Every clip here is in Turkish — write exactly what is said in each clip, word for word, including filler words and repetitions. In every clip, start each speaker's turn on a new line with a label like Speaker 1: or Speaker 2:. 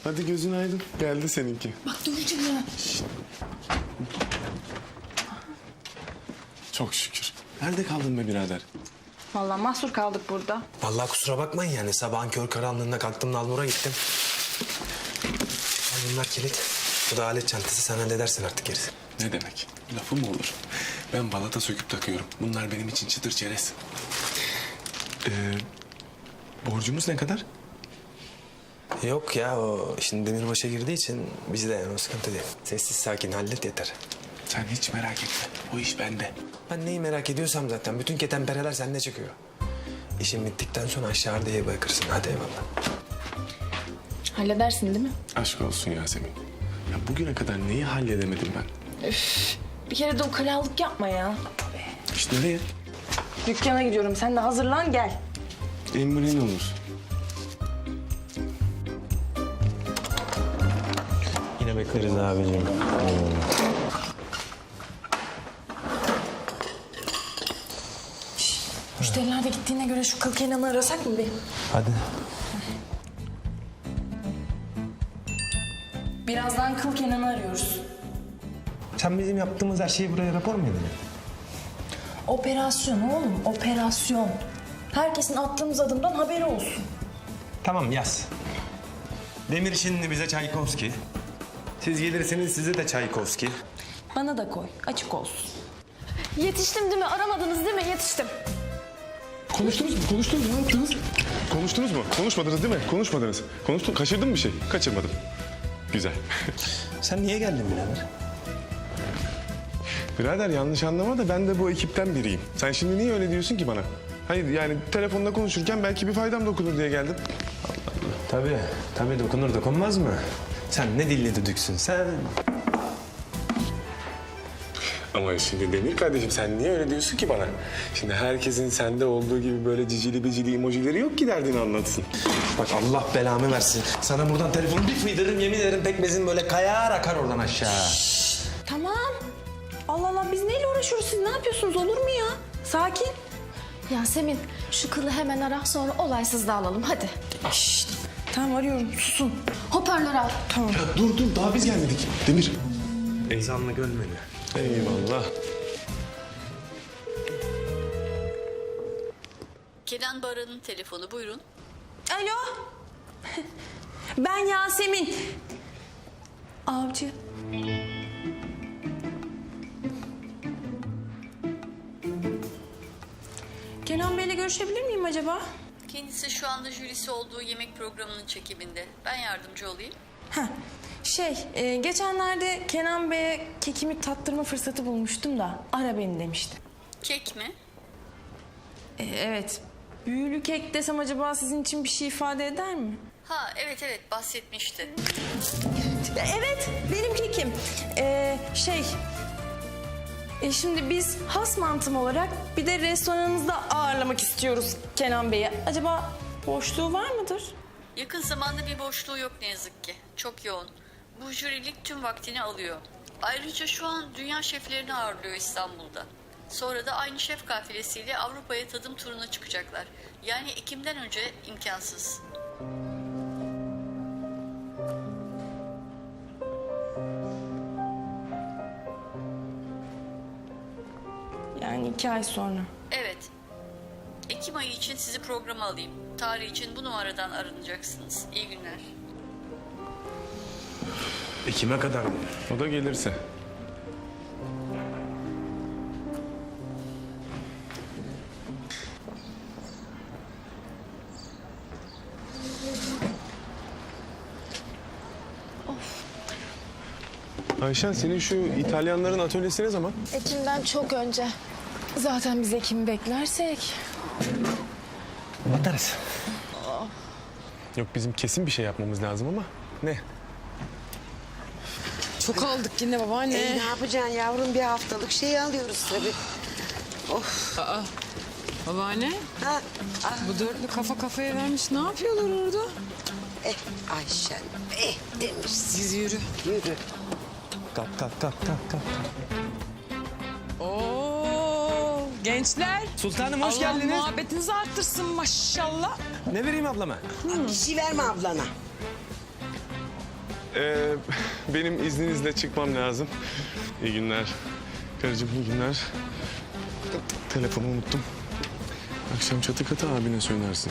Speaker 1: Hadi gözün aydın. Geldi seninki.
Speaker 2: Bak döveceğim ya.
Speaker 1: Çok şükür. Nerede kaldın be birader?
Speaker 2: Vallahi mahsur kaldık burada.
Speaker 3: Vallahi kusura bakmayın yani sabahın kör karanlığında kalktım Nalbur'a gittim. Al bunlar kilit. Bu da alet çantası, sen halledersin artık gerisi.
Speaker 1: Ne demek? Lafı mı olur? Ben balata söküp takıyorum. Bunlar benim için çıtır çerez. Ee, borcumuz ne kadar?
Speaker 3: Yok ya, o şimdi demirbaşa girdiği için bizde yani o sıkıntı değil. Sessiz sakin hallet yeter.
Speaker 1: Sen hiç merak etme. O iş bende.
Speaker 3: Ben neyi merak ediyorsam zaten bütün ketenpereler sende çıkıyor. İşin bittikten sonra aşağı diye bırakırsın. Hadi eyvallah.
Speaker 2: Halledersin değil mi?
Speaker 1: Aşk olsun Yasemin. Ya bugüne kadar neyi halledemedim ben?
Speaker 2: Üf, bir kere de o kalalık yapma ya.
Speaker 1: İşte nereye?
Speaker 2: Dükkana gidiyorum. Sen de hazırlan gel.
Speaker 1: Emrin olur.
Speaker 3: Yine bekleriz abicim.
Speaker 2: Müşteriler de gittiğine göre şu kıl Kenan'ı arasak mı bir?
Speaker 3: Hadi.
Speaker 2: Birazdan kıl Kenan'ı arıyoruz.
Speaker 3: Sen bizim yaptığımız her şeyi buraya rapor mu edeceksin?
Speaker 2: Operasyon oğlum, operasyon. Herkesin attığımız adımdan haberi olsun.
Speaker 3: Tamam yaz. Demir şimdi bize Çaykovski. Siz gelirsiniz size de Çaykovski.
Speaker 2: Bana da koy, açık olsun.
Speaker 4: Yetiştim değil mi? Aramadınız değil mi? Yetiştim.
Speaker 1: Konuştunuz mu? Konuştunuz mu? Ne yaptınız? Konuştunuz mu? Konuşmadınız değil mi? Konuşmadınız. Konuştun. Kaçırdın mı bir şey? Kaçırmadım. Güzel.
Speaker 3: Sen niye geldin birader?
Speaker 1: Birader yanlış anlama da ben de bu ekipten biriyim. Sen şimdi niye öyle diyorsun ki bana? Hayır yani telefonda konuşurken belki bir faydam dokunur diye geldim.
Speaker 3: Tabii, tabii dokunur dokunmaz mı? Sen ne dilli düdüksün sen?
Speaker 1: Ama şimdi Demir kardeşim sen niye öyle diyorsun ki bana? Şimdi herkesin sende olduğu gibi böyle cicili bicili emojileri yok ki derdini anlatsın.
Speaker 3: Bak Allah belamı versin. Sana buradan telefonu bir fıydırırım yemin ederim pekmezin böyle kayar akar oradan aşağı.
Speaker 2: Tamam. Allah Allah biz neyle uğraşıyoruz? Siz ne yapıyorsunuz? Olur mu ya? Sakin.
Speaker 4: Yasemin şu kılı hemen ara sonra olaysız dağılalım hadi.
Speaker 2: Şşt. Tamam arıyorum. Susun.
Speaker 4: Hoparlörü al.
Speaker 2: Tamam.
Speaker 1: Ya dur dur daha biz gelmedik. Demir.
Speaker 3: Ezanla gölmeni.
Speaker 1: Eyvallah.
Speaker 5: Kenan Baran'ın telefonu buyurun.
Speaker 2: Alo. Ben Yasemin. Avcı. Kenan Bey'le görüşebilir miyim acaba?
Speaker 5: Kendisi şu anda jürisi olduğu yemek programının çekiminde. Ben yardımcı olayım.
Speaker 2: Heh, şey, e, geçenlerde Kenan Bey'e kekimi tattırma fırsatı bulmuştum da ara beni demişti.
Speaker 5: Kek mi?
Speaker 2: E, evet, büyülü kek desem acaba sizin için bir şey ifade eder mi?
Speaker 5: Ha evet evet bahsetmişti.
Speaker 2: E, evet, benim kekim. E, şey, e, şimdi biz has mantım olarak bir de restoranınızda ağırlamak istiyoruz Kenan Bey'i. Acaba boşluğu var mıdır?
Speaker 5: Yakın zamanda bir boşluğu yok ne yazık ki. Çok yoğun. Bu jürilik tüm vaktini alıyor. Ayrıca şu an dünya şeflerini ağırlıyor İstanbul'da. Sonra da aynı şef kafilesiyle Avrupa'ya tadım turuna çıkacaklar. Yani Ekim'den önce imkansız.
Speaker 2: Yani iki ay sonra.
Speaker 5: Evet. Ekim ayı için sizi programa alayım. Tarih için bu numaradan aranacaksınız. İyi günler.
Speaker 3: Ekim'e kadar mı?
Speaker 1: O da gelirse. Ayşen senin şu İtalyanların atölyesi ne zaman?
Speaker 4: Ekim'den çok önce. Zaten biz Ekim'i beklersek.
Speaker 3: Batarız.
Speaker 1: Yok bizim kesin bir şey yapmamız lazım ama ne?
Speaker 6: Çok aldık yine babaanne.
Speaker 7: E, ne yapacaksın yavrum, bir haftalık şey alıyoruz tabii. Of.
Speaker 6: Aa, babaanne
Speaker 7: Ha, ah,
Speaker 6: bu dörtlü kafa kafaya vermiş. Ne yapıyorlar orada?
Speaker 7: eh Ayşen, eh Demir.
Speaker 6: Siz yürü.
Speaker 7: Yürü.
Speaker 3: Kalk kalk kalk kalk kalk.
Speaker 6: Oo, gençler.
Speaker 3: Sultanım hoş
Speaker 6: Allah
Speaker 3: geldiniz.
Speaker 6: muhabbetinizi arttırsın maşallah.
Speaker 3: Ne vereyim ablama?
Speaker 7: Bir şey verme ablana.
Speaker 1: Ee, benim izninizle çıkmam lazım. İyi günler. Karıcığım iyi günler. Telefonumu unuttum. Akşam çatı katı abine söylersin.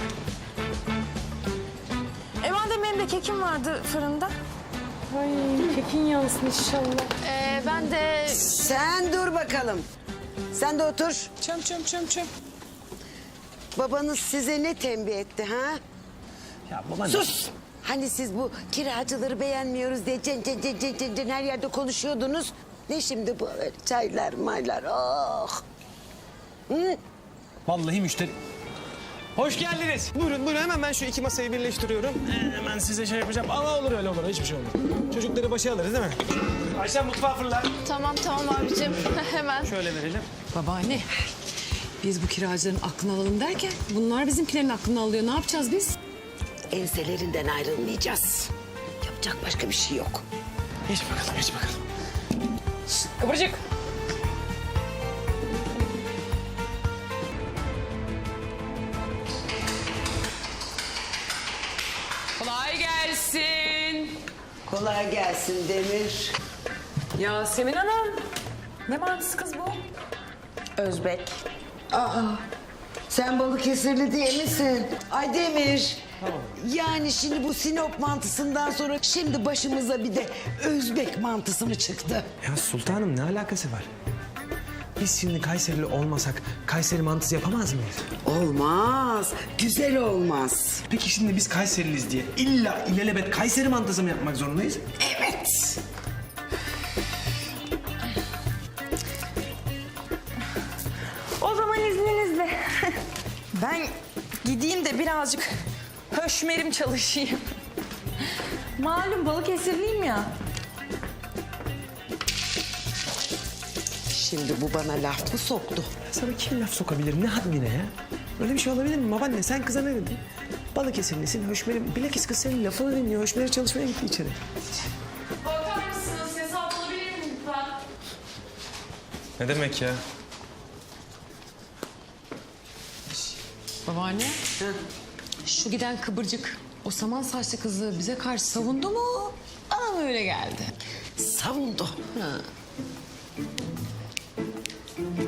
Speaker 2: E madem benim de kekim vardı fırında.
Speaker 6: Ay kekin yansın inşallah.
Speaker 4: Ee, ben de
Speaker 7: Sen dur bakalım. Sen de otur.
Speaker 6: Çöm çöm çöm çöm.
Speaker 7: Babanız size ne tembih etti ha?
Speaker 3: Ya babaanne.
Speaker 7: Sus! Hani siz bu kiracıları beğenmiyoruz diye cen cen cen cen cen cen her yerde konuşuyordunuz. Ne şimdi bu öyle çaylar maylar oh. Hı?
Speaker 3: Vallahi müşteri... Hoş geldiniz. Buyurun buyurun hemen ben şu iki masayı birleştiriyorum. Ee, hemen size şey yapacağım. Ama olur öyle olur hiçbir şey olmaz. Çocukları başa alırız değil mi? Ayşe mutfağa fırla.
Speaker 4: tamam tamam abicim hemen.
Speaker 3: Şöyle verelim.
Speaker 6: Babaanne biz bu kiracıların aklını alalım derken bunlar bizimkilerin aklını alıyor. Ne yapacağız biz?
Speaker 7: Enselerinden ayrılmayacağız. Yapacak başka bir şey yok.
Speaker 3: Geç bakalım geç bakalım.
Speaker 6: Kıvırcık. Kolay gelsin.
Speaker 7: Kolay gelsin Demir.
Speaker 6: Yasemin Hanım. Ne mantısı kız bu?
Speaker 2: Özbek.
Speaker 7: Aa, sen Balıkesirli değil misin? Ay Demir. Yani şimdi bu Sinop mantısından sonra şimdi başımıza bir de Özbek mantısı mı çıktı?
Speaker 3: Ya sultanım ne alakası var? Biz şimdi Kayserili olmasak Kayseri mantısı yapamaz mıyız?
Speaker 7: Olmaz. Güzel olmaz.
Speaker 3: Peki şimdi biz Kayseriliyiz diye illa ilelebet Kayseri mantısı mı yapmak zorundayız?
Speaker 7: Evet.
Speaker 2: O zaman izninizle. Ben gideyim de birazcık höşmerim çalışayım. Malum Balıkesirliyim ya.
Speaker 7: Şimdi bu bana laf mı soktu?
Speaker 3: Sana kim laf sokabilir ne haddine ya? Öyle bir şey olabilir mi babaanne? Sen kıza ne dedin? Balıkesirlisin, Höşmer'i... Bilakis kız senin lafını dinliyor. Höşmer'e çalışmaya gitti içeri.
Speaker 4: Bakar mısınız? Hesap alabilir miyim lütfen?
Speaker 3: Ne demek ya?
Speaker 6: Babaanne. Şu giden kıvırcık. O saman saçlı kızı bize karşı savundu mu? Bana mı öyle geldi?
Speaker 7: Savundu.